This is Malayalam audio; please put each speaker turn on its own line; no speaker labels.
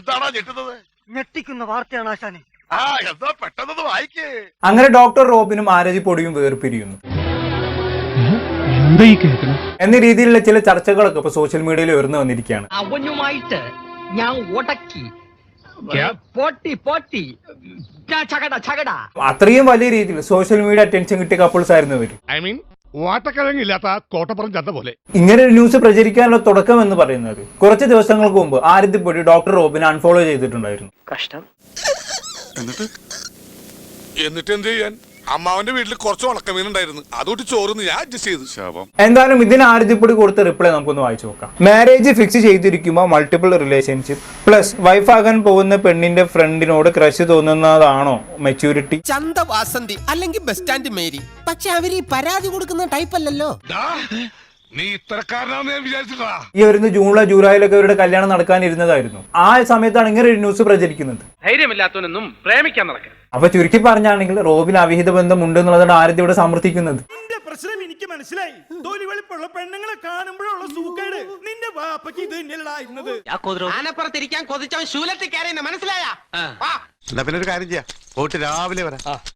എന്താണോ ഞെട്ടുന്നത്?
ഞെട്ടിക്കുന്ന വാർത്തയാണ് ആശാനെ.
ആ എന്താ പെട്ടെന്ന് വായിക്കേ.
അങ്ങനെ ഡോക്ടർ റോബിനും ആരതി പൊടിയും വേർപിരിയുന്നു എന്ന രീതിയിലുള്ള ചില ചർച്ചകളൊക്കെ ഇപ്പൊ സോഷ്യൽ മീഡിയയിൽ ഉയർന്നു വന്നിരിക്കുകയാണ്.
അവനുമായിട്ട് ഞാൻ ഉടക്കി
അത്രയും വലിയ രീതിയിൽ സോഷ്യൽ മീഡിയ അറ്റൻഷൻ കിട്ടിയ കപ്പിൾസ് ആയിരുന്നു ഇവര്.
വാട്ടക്കിഴങ്ങില്ലാത്ത കോട്ടപ്പുറം ചന്ത പോലെ.
ഇങ്ങനെ ഒരു ന്യൂസ് പ്രചരിക്കാനുള്ള തുടക്കം എന്ന് പറയുന്നത് കുറച്ച് ദിവസങ്ങൾക്ക് മുമ്പ് ആരതി പൊടി ഡോക്ടർ റോബിനെ അൺഫോളോ ചെയ്തിട്ടുണ്ടായിരുന്നു.
കഷ്ടം.
എന്നിട്ട് എന്ത് ചെയ്യാൻ? അമ്മാവന്റെ വീട്ടിൽ കുറച്ച് ഉണക്കമീനുണ്ടായിരുന്നു, അതുകൊണ്ട് ചോറുന്ന് ഞാൻ അഡ്ജസ്റ്റ് ചെയ്തു. ശാപം.
എന്തായാലും ഇതിന് ആരതിപ്പൊടി കൊടുത്ത റിപ്ലൈ നമുക്കൊന്ന് വായിച്ചു നോക്കാം. മാരേജ് ഫിക്സ് ചെയ്തിരിക്കുമ്പോൾ മൾട്ടിപ്പിൾ റിലേഷൻഷിപ്പ് പ്ലസ് വൈഫാകാൻ പോകുന്ന പെണ്ണിന്റെ ഫ്രണ്ടിനോട് ക്രഷ് തോന്നുന്നതാണോ മെച്യൂരിറ്റി?
ചന്തവാസന്തി അല്ലെങ്കിൽ ബസ് സ്റ്റാൻഡ് മേരി, പക്ഷെ അവര് ഈ പരാതി കൊടുക്കുന്ന ടൈപ്പ് അല്ലല്ലോ.
നീ ഇത്തരക്കാരനാന്ന് ഞാൻ വിചാരിച്ചിട്ടാ.
ഈ വരുന്ന ജൂലൈയിലൊക്കെ അവരുടെ കല്യാണം നടക്കാനിരുന്നതായിരുന്നു. ആ സമയത്താണ് ഇങ്ങനെ ഒരു ന്യൂസ് പ്രചരിക്കുന്നത്.
ധൈര്യമില്ലാത്തവനൊന്നും പ്രേമിക്കാൻ നടക്കാം.
അപ്പൊ ചുരുക്കി പറഞ്ഞാണെങ്കിൽ റോബിന് അവിഹിത ബന്ധം ഉണ്ട് എന്നുള്ളതാണ് ആരതി ഇവിടെ സമർത്ഥിക്കുന്നത്.
പ്രശ്നം എനിക്ക് മനസ്സിലായി. തൊലി വെളുപ്പുള്ള പെണ്ണുങ്ങളെ കാണുമ്പോഴുള്ള സൂക്കേട് നിന്റെ വാപ്പയ്ക്ക് ഇത് തന്നെയല്ലായിരുന്നത്.
ആനപ്പുറത്തിരിക്കാൻ കൊതിച്ചവൻ ശൂലത്തിൽ കയറിയെന്ന് മനസ്സിലായ.
എന്നാ പിന്നെ ഒരു കാര്യം ചെയ്യാം, പോയിട്ട് രാവിലെ വരാം.